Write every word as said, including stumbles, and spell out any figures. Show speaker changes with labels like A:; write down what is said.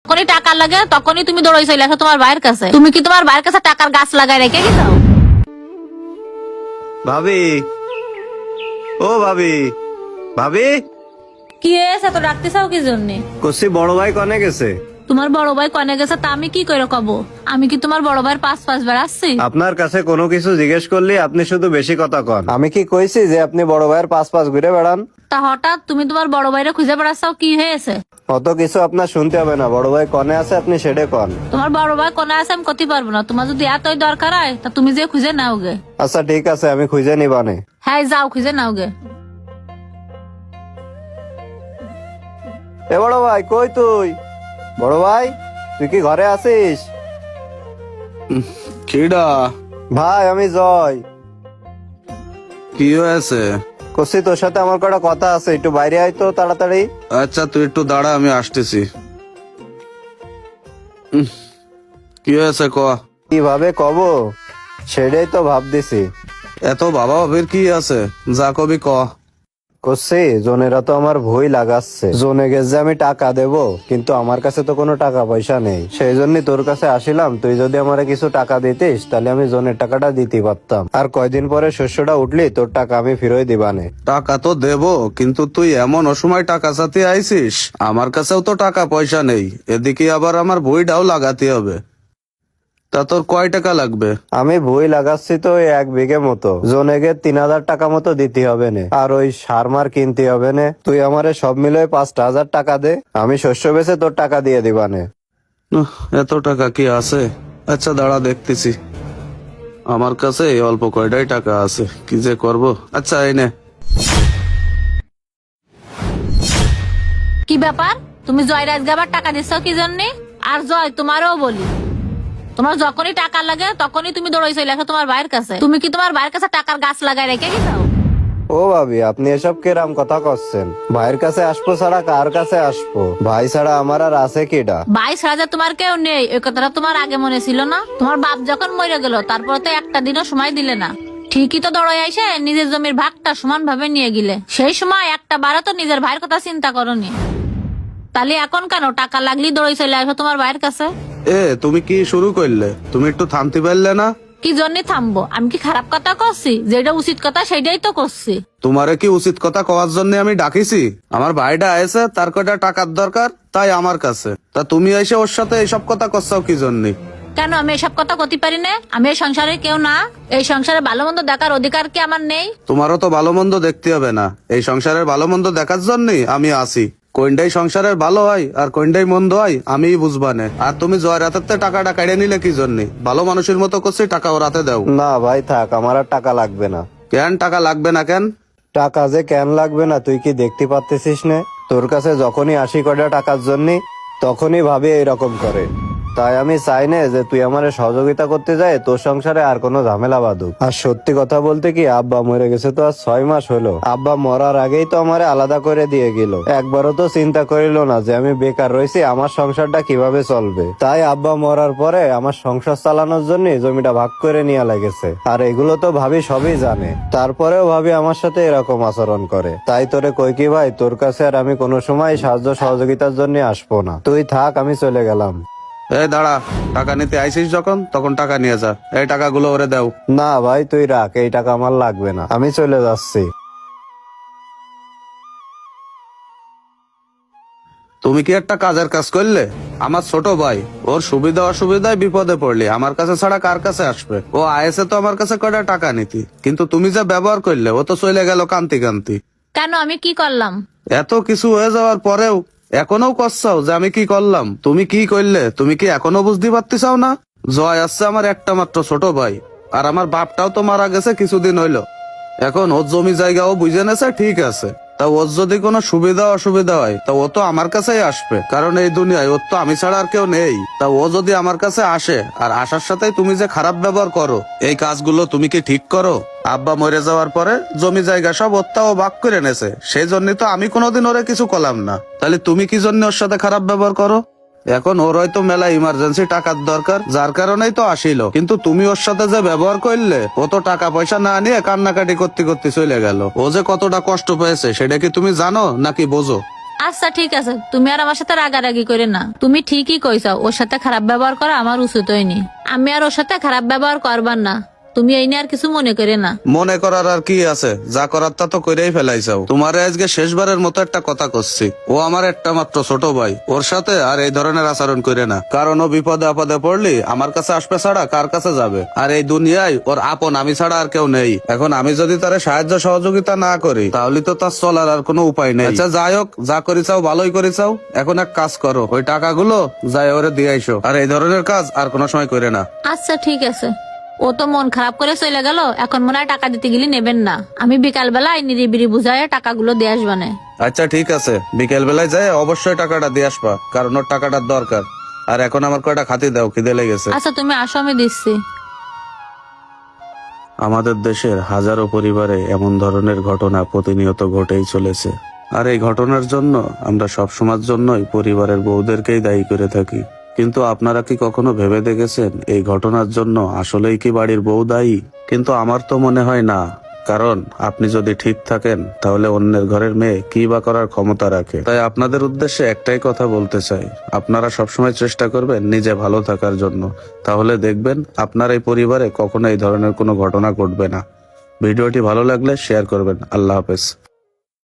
A: যখনই টাকা লাগে তখনই তুমি দৌড়াই চলে আসো তোমার ভাইয়ের কাছে। তুমি কি তোমার ভাইয়ের কাছে টাকার গাছ লাগাই রেখে গেছো?
B: ভাবি, ও ভাবি, ভাবি
A: কি হয়েছে তো ডাকতে চাও কি জন্যে?
B: কসি বড় ভাই কনে গেছে?
A: তোমার বড় ভাই কনে গেছে তা আমি কি করে কব? আমি কি তোমার বড় ভাইয়ের পাঁচ পাঁচ বার আসছি?
B: আপনার কাছে কোনো কিছু জিজ্ঞেস করলে আপনি শুধু বেশি কথা কন। আমি কি কইছি যে আপনি বড় ভাইয়ের পাঁচ পাঁচ ঘুরে বেড়ান?
A: তা হঠাৎ তুমি তোমার বড় ভাইরে খুঁজে বেড়াচ্ছাও, কি হয়েছে?
B: অত কিছু আপনার শুনতে হবে না। বড় ভাই কনে আছে আপনি সেটা কন।
A: তোমার বড় ভাই কোনে আছে আমি করতে পারবো না। তোমার যদি এতই দরকার হয় তা তুমি যে খুঁজে নাও গে।
B: আচ্ছা ঠিক আছে, আমি খুঁজে নিবানে।
A: হ্যাঁ যাও খুঁজে নাও গে।
B: এ বড় ভাই কই তুই? বড় ভাই তুই কি ঘরে আছিস?
C: কিডা?
B: ভাই আমি জয়।
C: কি হয়েছে?
B: কসি তোর সাথে আমার কটা কথা আছে, একটু বাইরে আয় তো তাড়াতাড়ি।
C: আচ্ছা তুই একটু দাঁড়া, আমি আসতেছি। উম, কি হয়েছে ক?
B: কিভাবে কব সেটাই তো ভাবতেছি।
C: এত বাবা ভাবির কি আছে, যা কবি ক।
B: করছি জনেরা তো আমার ভয় লাগাচ্ছে। জনে গেছে আমি টাকা দেব, কিন্তু আমার কাছে তো কোনো টাকা পয়সা নেই। সেই জন্য তোর কাছে আসিলাম, তুই যদি আমারে কিছু টাকা দিতিস তাহলে আমি জনের টাকাটা দিতে পারতাম। আর কয়দিন পরে শস্যটা উঠলি তোর টাকা আমি ফিরোই দিবানে।
C: টাকা তো দেব, কিন্তু তুই এমন অসময় টাকা চাতে আইছিস, আমার কাছেও তো টাকা পয়সা নেই। এদিকে আবার আমার বইটাও লাগাতে হবে। তা তোর কয় টাকা লাগবে?
B: আমি ভুই লাগাচ্ছি তো ওই এক বিঘে মতো। জনেগে তিন হাজার টাকা মতো দিতে হবে নে, আর ওই সার মার কিনতে হবে নে। তুই আমারে সব মিলে পাঁচটা হাজার টাকা দে, আমি শস্য বেচে তোর টাকা দিয়ে দিবানে।
C: উহ, এত টাকা কি আছে? আচ্ছা দাঁড়া দেখতেছি। আমার কাছে এই অল্প কয়টাই টাকা আছে, কি যে করব। আচ্ছা এই নে।
A: কি ব্যাপার, তুমি জয় রাজকে আবার টাকা দিচ্ছ কি জন্যে? আর জয় তোমারও বলি, তোমার যখনই টাকা লাগে তখনই তুমি দৌড়াই চলে আসো তোমার ভাইয়ের কাছে। তুমি কি তোমার ভাইয়ের কাছে টাকার গাছ লাগাই রেখে গেছো?
B: ও ভাবি, আপনি এসব কেরাম কথা করছেন? ভাইয়ের কাছে আসবো ছাড়া কার কাছে আসবো? ভাই ছাড়া আমার আর আছে কিডা?
A: ভাই ছাড়া যে তোমার কেউ নেই ওই কথাটা তোমার আগে মনে ছিল না? তোমার বাপ যখন মরে গেল তারপর তো একটা দিনও সময় দিলে না। ঠিকই তো দৌড়াই আইসে নিজের জমির ভাগটা সমান ভাবে নিয়ে গেলে। সেই সময় একটা বারো তো নিজের ভাইয়ের কথা চিন্তা করনি। তাহলে এখন কেন টাকা লাগলি দৌড়াই চলে আসো তোমার ভাইয়ের কাছে?
C: এ তুমি কি শুরু করলে? তুমি একটু থামতে পারলে না?
A: কি জন্য থামবো? আমি কি খারাপ কথা করছি? যেটা উচিত কথা সেটাই তো করছি।
C: তোমারে কি উচিত কথা কওয়ার জন্য আমি ডাকিছি? আমার ভাইটা আয়েছে, তার কয়টা টাকার দরকার, তাই আমার কাছে। তা তুমি এসে ওর সাথে এইসব কথা করছাও কি জন্য?
A: কেন আমি এসব কথা করতে পারি না? আমি এই সংসারের কেউ না? এই সংসারে ভালো মন্দ দেখার অধিকার কি আমার নেই?
C: তোমারও তো ভালো মন্দ দেখতে হবে না? এই সংসারের ভালো মন্দ দেখার জন্যই আমি আছি। কোনটাই সংসারের ভালো হয় আর কোনটাই মন্দ হয় আমিই বুঝবানে। আর তুমি জয় রাতের টাকাটা কেড়ে নিলে কি জন্য? ভালো মানুষের মতো করছি, টাকা ও রাতে দাও।
B: না ভাই থাক, আমার আর টাকা লাগবে না।
C: কেন টাকা লাগবে না কেন?
B: টাকা যে কেন লাগবে না তুই কি দেখতে পাচ্ছিস না? তোর কাছে যখনই আসি কয়টা টাকার জন্য তখনই ভাবি এইরকম করে। তাই আমি চাই না যে তুই আমার সহযোগিতা করতে যায় তোর সংসারে আর কোনো ঝামেলা বাঁধুক। আর সত্যি কথা বলতে কি, আব্বা মরে গেছে তো আর ছয় মাস হলো। আব্বা মরার আগেই তো আমারে আলাদা করে দিয়ে গেল। একবারও তো চিন্তা করিল না যে আমি বেকার রয়েছি, আমার সংসারটা কিভাবে চলবে। তাই আব্বা মরার পরে আমার সংসার চালানোর জন্য জমিটা ভাগ করে নিয়ে লাগেছে। আর এগুলো তো ভাবি সবই জানে, তারপরেও ভাবি আমার সাথে এরকম আচরণ করে। তাই তোরে কই কি ভাই, তোর কাছে আর আমি কোনো সময় সাহায্য সহযোগিতার জন্য আসবো না। তুই থাক, আমি চলে গেলাম।
C: এই দাঁড়া, টাকা নিতে আইসিস যখন তখন টাকা নিয়ে যা। এই টাকাগুলো ওরে দাও।
B: না ভাই তুই রাখ, এই টাকা আমার লাগবে না, আমি চলে যাচ্ছি।
C: তুমি কি একটা কাজের কাজ করলে? আমার ছোট ভাই, ওর সুবিধা অসুবিধায় বিপদে পড়লি আমার কাছে ছাড়া কার কাছে আসবে? ও আয়েছে তো আমার কাছে কয়টা টাকা নিতি, কিন্তু তুমি যে ব্যবহার করলে ও তো চলে গেল কান্তি কান্তি।
A: কেন আমি কি করলাম?
C: এত কিছু হয়ে যাওয়ার পরেও এখনো কষাও যে আমি কি করলাম। তুমি কি করলে তুমি কি এখনো বুঝতে পারতেছাও না? জয় আসছে আমার একটা মাত্র ছোট ভাই, আর আমার বাপটাও তো মারা গেছে কিছুদিন হইলো। এখন ওর জমি জায়গাও বুঝে নেছে, ঠিক আছে। তা ওর যদি কোনো সুবিধা অসুবিধা হয় তা ও তো আমার কাছেই আসবে, কারণ এই দুনিয়ায় ওর তো আমি ছাড়া আর কেউ নেই। তা ও যদি আমার কাছে আসে, আর আসার সাথে তুমি যে খারাপ ব্যবহার করো, এই কাজগুলো তুমি কি ঠিক করো? আব্বা মরে যাওয়ার পরে জমি জায়গা সব ওরটা ও ভাগ করে নেছে, সেই জন্যই তো আমি কোনোদিন ওরে কিছু করলাম না। তাহলে তুমি কি জন্য ওর সাথে খারাপ ব্যবহার করো? এখন ওর হয়তো মেলা ইমার্জেন্সি টাকার দরকার, যার কারণেই তো আসিল, কিন্তু তুমি ওর সাথে যে ব্যবহার করলে, ও তো টাকা পয়সা না নিয়ে কান্নাকাটি করতে করতে চলে গেল। ও যে কতটা কষ্ট পেয়েছে সেটা কি তুমি জানো নাকি বোঝো?
A: আচ্ছা ঠিক আছে, তুমি আর আমার সাথে রাগারাগি করে না। তুমি ঠিকই কইছাও, ওর সাথে খারাপ ব্যবহার করা আমার উচিত হয়নি। আমি আর ওর সাথে খারাপ ব্যবহার করবার না। তুমি এই নিয়ে আর কিছু মনে করে না।
C: মনে করার আর কি আছে, যা করার তা তো করেই ফেলাইছাও। তোমার আজকে শেষবারের মতো একটা কথা করছি, ও আমার একটা মাত্র ছোট ভাই, ওর সাথে আর এই ধরনের আচরণ করে না। কারণ ও বিপদে আপদে পড়লি আমার কাছে আসবে ছাড়া কার কাছে যাবে? আর এই দুনিয়ায় ওর আপন আমি ছাড়া আর কেউ নেই। এখন আমি যদি তার সাহায্য সহযোগিতা না করি তাহলে তো তার চলার আর কোনো উপায় নেই। আচ্ছা যাই হোক, যা করিছাও ভালোই করিছাও। এখন এক কাজ করো, ওই টাকাগুলো যাই ওরে দিয়ে আইসো, আর এই ধরনের কাজ আর কোনো সময় করে না।
A: আচ্ছা ঠিক আছে। ও তো মন খারাপ করে চলে গেল, এখন মনে হয় টাকা দিতে গেলে নেবেন না। আমি বিকাল বেলায় নিরিবিরি বুঝায় টাকাগুলো দিয়ে আসবানে।
C: আচ্ছা ঠিক আছে, বিকেল বেলায় যাই অবশ্যই টাকাটা দিয়ে আসবা, কারণ ওর টাকাটার দরকার। আর এখন আমার কয়টা খাতি দাও, খিদে লেগেছে।
A: আচ্ছা তুমি আসো, আমি দিচ্ছি।
C: আমাদের দেশের হাজারো পরিবারে এমন ধরনের ঘটনা প্রতিনিয়ত ঘটেই চলেছে। আর এই ঘটনার জন্য আমরা সবসময়ের জন্যই পরিবারের বউদেরকেই দায়ী করে থাকি। কিন্তু আপনারা কি কখনো ভেবে দেখেছেন এই ঘটনার জন্য আসলেই কি বাড়ির বউ দায়ী? কিন্তু আমার তো মনে হয় না। কারণ আপনি যদি ঠিক থাকেন তাহলে অন্যের ঘরের মেয়ে কি বা করার ক্ষমতা রাখে। তাই আপনাদের উদ্দেশ্যে একটাই কথা বলতে চাই, আপনারা সবসময় চেষ্টা করবেন নিজে ভালো থাকার জন্য। তাহলে দেখবেন আপনার এই পরিবারে কখনো এই ধরনের কোনো ঘটনা ঘটবে না। ভিডিওটি ভালো লাগলে শেয়ার করবেন। আল্লাহ হাফেজ।